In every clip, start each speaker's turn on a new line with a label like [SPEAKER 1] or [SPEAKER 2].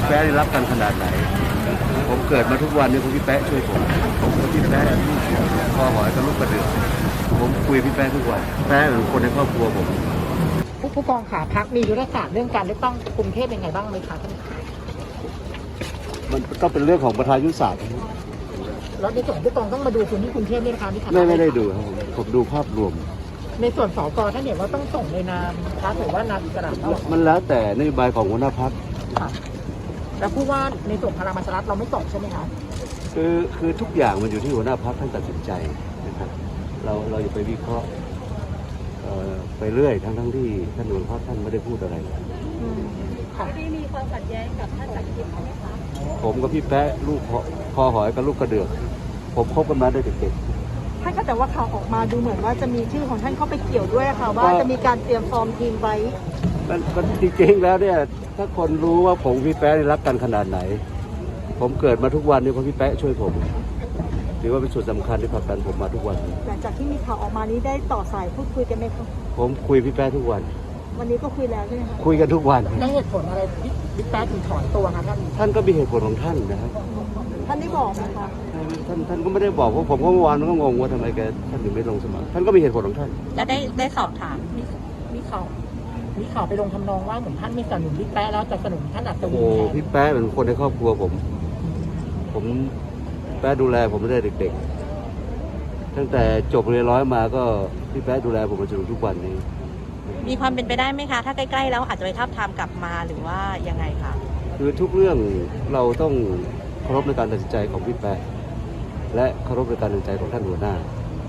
[SPEAKER 1] พี่แป๊ะได้รับกันขนาดไหนผมเกิดมาทุกวันนี้พี่แป๊ะช่วยผมพี่แป๊ะคอหอยกับลูกกระเดือกผมคุยพี่แป๊ะทุกวันแป๊ะเป็นคนในครอบครัวผม
[SPEAKER 2] ผู้กองขาพักมียุทธศาสตร์เรื่องการเลือกตั้งกรุงเทพยังไงบ้างไหมคะท่าน
[SPEAKER 1] มันก็เป็นเรื่องของประธานยุทธศาสตร์
[SPEAKER 2] แล้วในส่วนผู้กองต้องมาดูพื้นที่กรุงเทพด้วยนะคะที่
[SPEAKER 1] ไม่ได้ดูครับผมดูภาพรวม
[SPEAKER 2] ในส่วนสกท่านเห็นว่าต้องส่งในนามพรรคหรือว่านามอิสระ
[SPEAKER 1] มันแล้วแต่นโยบายของหัวหน้าพรรค
[SPEAKER 2] แล้วผู้ว่าในส่วนพลังประชารัฐเราไม่ส่งใช่ไหมคะ
[SPEAKER 1] คือทุกอย่างมันอยู่ที่หัวหน้าพรรคท่านตัดสินใจนะครับเราอย่าไปวิเคราะห์ไปเรื่อยทั้งที่ท่านหัวหน้าพรรคท่านไม่ได้พูดอะไร
[SPEAKER 3] ไม่มีความขัดแย้งกับท่านจักรทิพย์ใช่ไหมคะ
[SPEAKER 1] ผมกับพี่แป๊ะลูกคอหอยกับลูกกระเดือกผมคบกันมาได้เด็ก
[SPEAKER 3] ท่านก็แต่ว่าข่าวออกมาดูเหมือนว่าจะมีชื่อของท่านเข้าไปเกี่ยวด้วยค่ะว่าจะมีการเตรียมฟอร์มทีมไว้
[SPEAKER 1] มันจริงๆแล้วเนี่ยถ้าคนรู้ว่าผมพี่แป๊ะรักกันขนาดไหนผมเกิดมาทุกวันนี่เพราะพี่แป๊ะช่วยผมถือว่าเป็นส่วนสำคัญที่ผลักดันผมมาทุกวัน
[SPEAKER 3] หลังจากที่มีข่าวออกมานี้ได้ต่อสายพูดคุยกันไหมครับ
[SPEAKER 1] ผมคุยพี่แป๊ะทุกวัน
[SPEAKER 3] วันนี้ก็คุยแล้วใช่ไหมคะ
[SPEAKER 1] คุยกันทุกวัน
[SPEAKER 2] แล้วเหตุผลอะไรบิ๊กแป๊ะถึงถอนตัวคะ
[SPEAKER 1] ท่านก็มีเหตุผลของท่านนะครับ
[SPEAKER 3] ท่านได้บอกไหมคะ
[SPEAKER 1] ท่านก็ไม่ได้บอกเพราะผมก็เมื่อวานก็งงว่าทำไมท่านถึงไม่ลงสมัครท่านก็มีเหตุผลของท่าน
[SPEAKER 3] แล้วได้สอบถาม
[SPEAKER 2] มีข่าวไปลงทำนองว่าเหมือนท่านไม่สนับสนุนบิ๊กแป๊ะแล้วจะสนับสนุนท่านอัศวิน
[SPEAKER 1] โอ้พี่แป๊ะเป็นคนในครอบครัวผมแป๊ะดูแลผมตั้งแต่เด็กๆตั้งแต่จบเรียนร้อยมาก็พี่แป๊ะดูแลผมมาจนถึงทุกวันนี้
[SPEAKER 3] มีความเป็นไปได้ไหมคะถ้าใกล้ๆแล้วอาจจะไปทับทามกลับมาหรือว่ายังไงคะ
[SPEAKER 1] คือทุกเรื่องเราต้องเคารพในการตัดสินใจของพี่แป๊ะและเคารพในการตัดสินใจของท่านหัวหน้า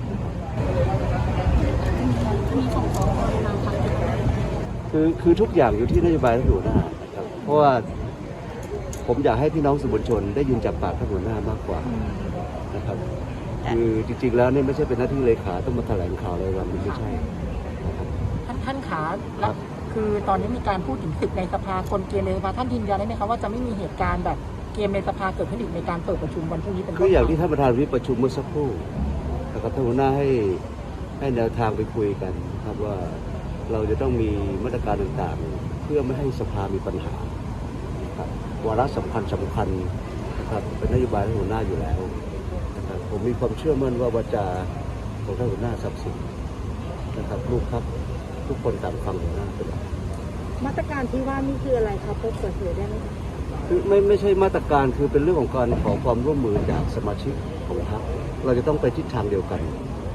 [SPEAKER 1] คือทุกอย่างอยู่ที่นโยบายท่านหัวหน้านะครับเพราะว่าผมอยากให้พี่น้องสื่อมวลชนได้ยินจากปากท่านหัวหน้ามากกว่านะครับคือจริงๆแล้วนี่ไม่ใช่เป็นหน้าที่เลขาต้องมาแถลงข่าวอะไรวันนี้ไม่ใช่
[SPEAKER 2] ท่านขาคือตอนนี้มีการพูดถึงศึกในสภากลเกมในสภาท่านยืนยันได้ไหมคะว่าจะไม่มีเหตุการณ์แบบเกมในสภาเกิดขึ้นอีกในการเปิดประชุมวันพรุ่งนี้เป็น
[SPEAKER 1] คืออย่างที่ท่านประธานวิปประชุมเมื่อสักครู่นะครับท่านหัวหน้าให้แนวทางไปคุยกันครับว่าเราจะต้องมีมาตรการต่างๆเพื่อไม่ให้สภามีปัญหาครับวาระสำคัญนะครับเป็นนโยบายของหัวหน้าอยู่แล้วนะครับผมมีความเชื่อมั่นว่าวาจาของท่านหัวหน้าศักดิ์สิทธิ์นะครับลูกครับทุกคนต่างฟังหัวหน้าเป็นหลัก
[SPEAKER 3] มาตรการที่ว่านี่คืออะไรครับเปิดเผยได้ไหม
[SPEAKER 1] คือไม่ใช่มาตรการคือเป็นเรื่องของการขอความร่วมมือจากสมาชิกของพรรคเราจะต้องไปทิศทางเดียวกัน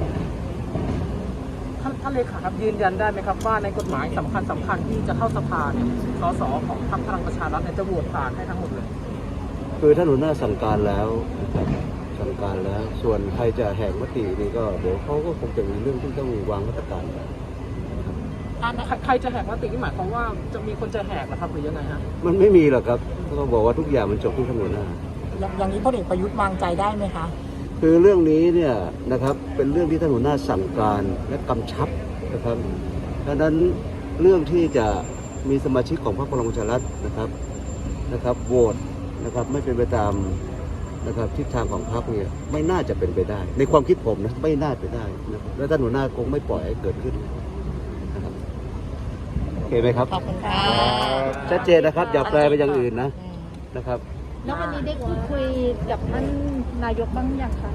[SPEAKER 2] ท่านเลขาครับยืนยันได้ไหมครับว่าในกฎหมายสำคัญที่จะเข้าสภาเนี่ยสสของพรรคพลังประชารัฐเนี่ยจะโหวตผ่านให้ทั้งหมดเลย
[SPEAKER 1] คือท่านหัวหน้าสั่งการแล้วสั่งการแล้วส่วนใครจะแหกมตินี่ก็เดี๋ยวเขาก็คงจะมีเรื่องที่ต้องวางมาตรการ
[SPEAKER 2] ใครจะแหกมตินี่หมายความว่าจะมีคนจะแหกหรือครับหรือยังไงฮะ
[SPEAKER 1] มันไม่มีหรอกครับก็บอกว่าทุกอย่างมันจบที่ท่านหัวหน้า
[SPEAKER 2] อย่างนี้พลเอกประยุทธ์วางใจได้ไหมคะ
[SPEAKER 1] คือเรื่องนี้เนี่ยนะครับเป็นเรื่องที่ท่านหัวหน้าสั่งการและกำชับนะครับดังนั้นเรื่องที่จะมีสมาชิกของพรรคพลังประชารัฐนะครับโหวตนะครับไม่เป็นไปตามนะครับทิศทางของพรรคเนี่ยไม่น่าจะเป็นไปได้ในความคิดผมนะไม่น่าเป็นได้นะครับและท่านหัวหน้าคงไม่ปล่อยให้เกิดขึ้นนะครับโอเคไหมครับ
[SPEAKER 3] ขอบคุณค่ะ
[SPEAKER 1] ชัดเจนนะครับอย่าแปลไปอย่างอื่นนะครับ
[SPEAKER 3] แล้ววันนี้ได้พูดคุยกับท่านนายกบ้างยังคะ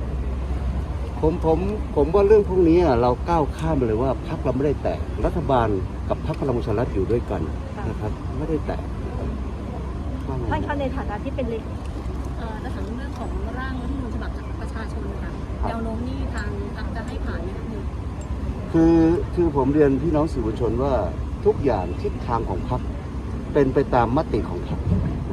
[SPEAKER 1] ผมว่าเรื่องพวกนี้เราก้าวข้ามไปเลยว่าพรรคเราไม่ได้แตกรัฐบาลกับพรรคพลังประชารัฐอยู่ด้วยกันนะครับไม่ได้แตก
[SPEAKER 3] ท่านคะในฐานะที่เป็น
[SPEAKER 4] ในทางเรื่องของร่างรัฐธรรมนูญฉบับประชาชนค่ะแนวโน้มนี่ทางจะให้ผ่านไหมคะ
[SPEAKER 1] คือผมเรียนพี่น้องสื่อมวลชนว่าทุกอย่างทิศทางของพรรคเป็นไปตามมติของพรรค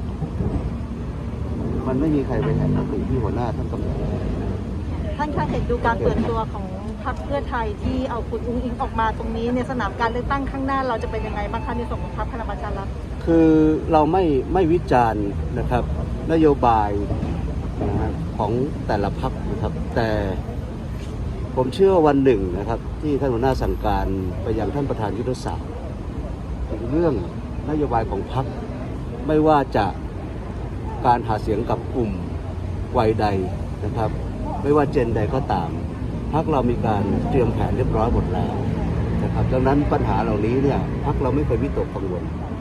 [SPEAKER 1] มันไม่มีใครไปแหกมติที่หัวหน้าท่านกำหนด
[SPEAKER 3] ท่านคะเห็นดูการเปิดตัวของพรรคเพื่อไทยที่เอาคุณอุ้งอิงออกมาตรงนี้ในสนามการเลือกตั้งข้างหน้าเราจะเป็นยังไงบ้างคะในส่วนของพรรคพลังประชารัฐ
[SPEAKER 1] คือเราไม่วิจารณ์นะครับนโยบายของแต่ละพรรคนะครับแต่ผมเชื่อวันหนึ่งนะครับที่ท่านหัวหน้าสั่งการไปยังท่านประธานยุทธศาสตร์ถึงเรื่องนโยบายของพรรคไม่ว่าจะการหาเสียงกับกลุ่มวัยใดนะครับไม่ว่าเจนใดก็ตามพรรคเรามีการเตรียมแผนเรียบร้อยหมดแล้วนะครับดังนั้นปัญหาเหล่านี้เนี่ยพรรคเราไม่เคยวิตกกังวล